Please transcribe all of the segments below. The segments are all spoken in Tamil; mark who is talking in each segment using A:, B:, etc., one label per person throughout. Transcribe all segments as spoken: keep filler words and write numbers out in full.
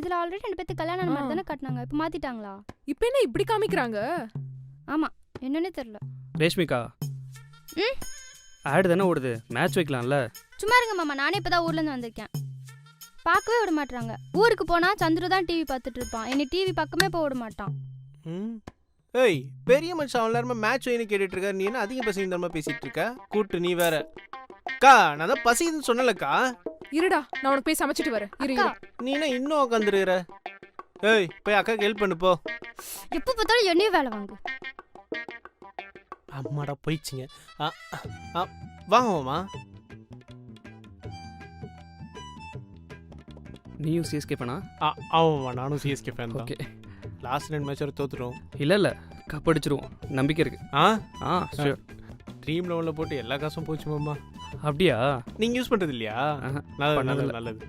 A: இதுல ஆல்ரெடி ரெண்டு பேத்துக்கு கல்யாணம் மாதிரி தானே காட்டினாங்க. இப்போ மாத்திட்டாங்களா?
B: இப்போ என்ன இப்படி காமிக்கிறாங்க?
A: ஆமா, என்னன்னே தெரியல.
C: ரேஷ்மிகா,
A: ம்
C: ஆடு தானே ஓடுது, மேட்ச் வைக்கலாம்ல.
A: சும்மா இருங்க மாமா, நானே இப்பதான் ஊர்ல இருந்து வந்திருக்கேன். பார்க்கவே விட மாட்டாங்க. ஊருக்கு போனா சந்துரு தான் டிவி பார்த்துட்டு இருப்பான். என்னை டிவி பக்கமே போக விட மாட்டான்.
D: ம் ஏய், பெரிய மனுஷன் அவன் எல்லாருமே மேட்ச் வைன்னு கேட்டுட்டு இருக்காரு. நீ என்ன அதிக பசிங்க தரமா பேசிட்டு இருக்க? கூட்டு நீ வேற. அக்கா, நான் தான் பசிக்குதுன்னு சொன்னலக்கா.
B: இருடா, நான் உனக்கு போய் சமைச்சிட்டு வரேன். இரு
A: அக்கா,
B: இரு.
D: நீ என்ன இன்னும் உட்காந்துருக்கிற? ஏய், போய் அக்காக்கு ஹெல்ப் பண்ணு போ.
A: எப்ப பார்த்தாலும் என்னையும் வேலை வாங்கு.
D: அம்மாடா போயிடுச்சிங்க. வாங்கம்மா.
C: நீயும் சிஎஸ்கே பண்ணா?
D: ஆமாம்மா, நானும் சிஎஸ்கே ஃபேன் தான்.
C: ஓகே.
D: லாஸ்ட் ரெண்டு மேட்ச் வரை தோத்துட்டோம்.
C: இல்லை இல்லை, கப் அடிச்சிருவோம், நம்பிக்கை இருக்கு.
D: ஆ
C: ஆ ஷூர்.
D: ட்ரீம் லெவலில் போட்டு எல்லா காசும் போச்சு மாமா.
C: அப்படியா?
D: நீங்கள் யூஸ் பண்ணுறது இல்லையா? நல்லது நல்லது நல்லது.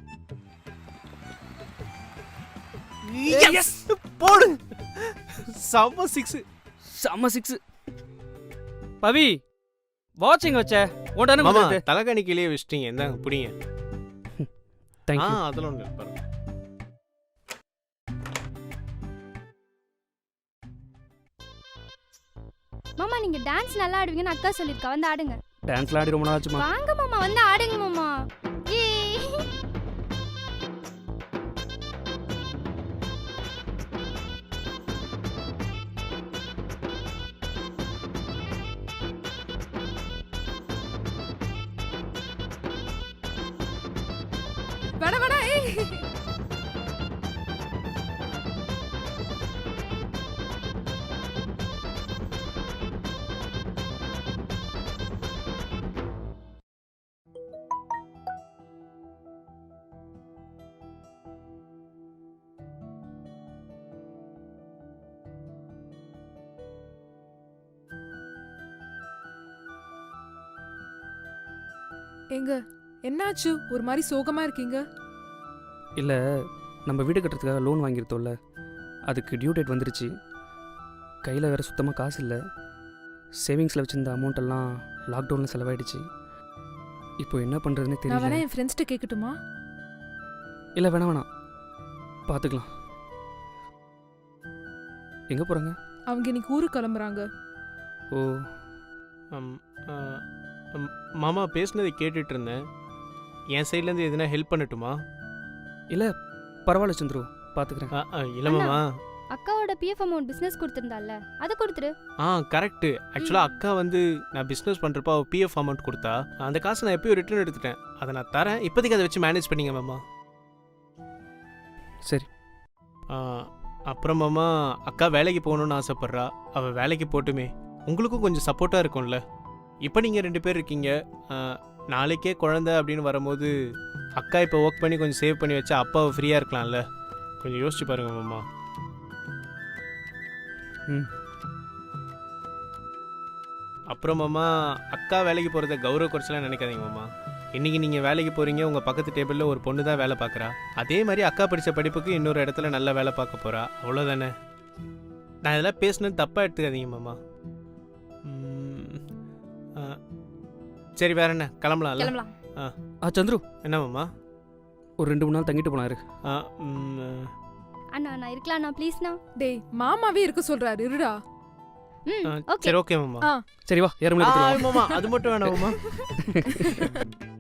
D: எஸ், போடு. செம்ம சிக்ஸ்.
C: செம்ம சிக்ஸ். பவி, வாட்சிங் வச்ச ஓடானே
D: மாமா,
C: வந்து
D: தலைகாணி கீழே வச்சிட்டீங்க. இந்தாங்க புடிங்க.
C: Thank
D: ah,
C: you.
D: அதெல்லாம் ஒன்று பாருங்க.
A: மாமா, நீங்க டான்ஸ் நல்லா ஆடுவீங்கன்னு அக்கா சொல்லிருக்கா. வந்து ஆடுங்க.
C: டான்ஸ்ல ஆடி ரொம்ப நாள் ஆச்சுமா.
A: வாங்க மாமா, வந்து ஆடுங்க மாமா. ஏய்,
B: வேணா வேணா. ஏய், எங்க என்னாச்சு? ஒரு மாதிரி சோகமா இருக்கீங்க.
C: இல்லை, நம்ம வீடு கட்டுறதுக்காக லோன் வாங்கியிருந்தோம்ல, அதுக்கு டியூ டேட் வந்துருச்சு. கையில் வேறு சுத்தமாக காசு இல்லை. சேவிங்ஸில் வச்சுருந்த அமௌண்ட்டெல்லாம் லாக்டவுனில் செலவாயிடுச்சு. இப்போ என்ன பண்ணுறதுனே
B: நான்
C: தெரியல.
B: வேணா என் ஃப்ரெண்ட்ஸ்கிட்ட கேட்கட்டுமா?
C: இல்லை வேணாம் வேணாம், பார்த்துக்கலாம். எங்கே போகிறாங்க?
B: அவங்க இன்னைக்கு ஊருக்கு கிளம்புறாங்க.
C: ஓ,
D: அம், ஆ, அம், மாமா பேசுனதை கேட்டுட்டு இருந்தேன். என் சைட்லேருந்து எதுனா ஹெல்ப் பண்ணட்டுமா?
C: இல்லை பரவாயில்ல சந்துரு, பார்த்துக்கிறேன்.
D: ஆ, ஆ, இல்லை மாமா.
A: அக்காவோட பிஎஃப் அமௌண்ட் பிசினஸ் கொடுத்திருந்தால, அதை கொடுத்துரு.
D: ஆ கரெக்டு. ஆக்சுவலாக அக்கா வந்து நான் பிஸ்னஸ் பண்ணுறப்ப அவள் பிஎஃப் அமௌண்ட் கொடுத்தா. அந்த காசை நான் எப்பயும் ரிட்டர்ன் எடுத்துட்டேன். அதை நான் தரேன். இப்போதைக்கு அதை வச்சு மேனேஜ் பண்ணிங்க மாமா.
C: சரி.
D: ஆ, அப்புறம் மாமா, அக்கா வேலைக்கு போகணுன்னு ஆசைப்பட்றா. அவள் வேலைக்கு போட்டுமே உங்களுக்கும் கொஞ்சம் சப்போர்ட்டாக இருக்கும்ல. இப்போ நீங்கள் ரெண்டு பேர் இருக்கீங்க. ஆ, நாளைக்கே குழந்தை அப்படின்னு வரும்போது அக்கா இப்போ ஒர்க் பண்ணி கொஞ்சம் சேவ் பண்ணி வச்சா அப்பாவை ஃப்ரீயாக இருக்கலாம்ல. கொஞ்சம் யோசிச்சு பாருங்க மாமா.
C: ம்.
D: அப்புறம் மாமா, அக்கா வேலைக்கு போகிறத கௌரவ குறைச்சலாம் நினைக்காதீங்க மாமா. இன்றைக்கி நீங்கள் வேலைக்கு போகிறீங்க, உங்கள் பக்கத்து டேபிளில் ஒரு பொண்ணு தான் வேலை பார்க்குறா. அதே மாதிரி அக்கா படித்த படிப்புக்கு இன்னொரு இடத்துல நல்ல வேலை பார்க்க போகிறா. அவ்வளோதானே. நான் இதெல்லாம் பேசுனது தப்பாக எடுத்துக்காதீங்க மாமா. ம், ஆ, சரி, வேற என்ன, கிளம்பலாம்ல?
A: கிளம்பலாம்.
C: ஆ சந்துரு,
D: என்ன மாமா?
C: ஒரு ரெண்டு மூணு நாள் தங்கிட்டு போனாரு.
D: ஆ, ம்,
A: அண்ணா, நான் இருக்கலாம்ண்ணா, ப்ளீஸ்ண்ணா.
B: டேய், மாமாவே இருக்க சொல்றாரு. இருடா.
A: ம்
D: ஆ,
A: ஓகே.
D: சரி ஓகே மாமா.
B: ஆ
C: சரி வா, ஏற
D: ஆ,
C: முடியாது.
D: மாமா அது மட்டும் வேணாம் மாமா.